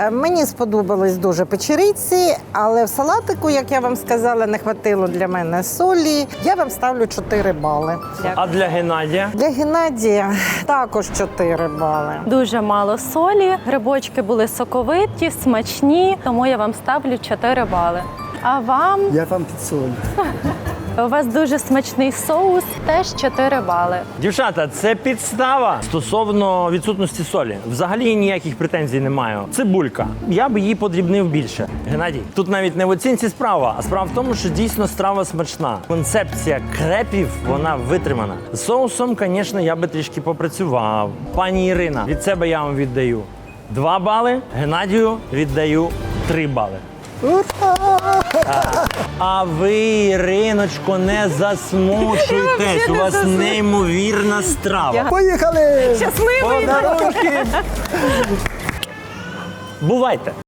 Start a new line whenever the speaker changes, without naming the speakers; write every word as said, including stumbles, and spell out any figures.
Е, Мені сподобались дуже печериці, але в салатику, як я вам сказала, не хватило для мене солі. Я вам ставлю чотири бали.
А для Геннадія?
Для Геннадія також чотири бали.
Дуже мало солі, грибочки були соковиті, смачні, тому я вам ставлю чотири бали. А вам,
Я вам підсолю.
у вас дуже смачний соус, теж чотири бали.
Дівчата, це підстава стосовно відсутності солі. Взагалі ніяких претензій не маю. Цибулька. Я б її подрібнив більше. Геннадій, тут навіть не в оцінці справа, а справа в тому, що дійсно страва смачна. Концепція крепів, вона витримана. З соусом, звісно, я би трішки попрацював. Пані Ірина, від себе я вам віддаю два бали, Геннадію віддаю три бали. А ви, Іриночко, не засмучуйтесь. У вас неймовірна страва.
Поїхали!
Щасливий!
Подарунки! Бувайте!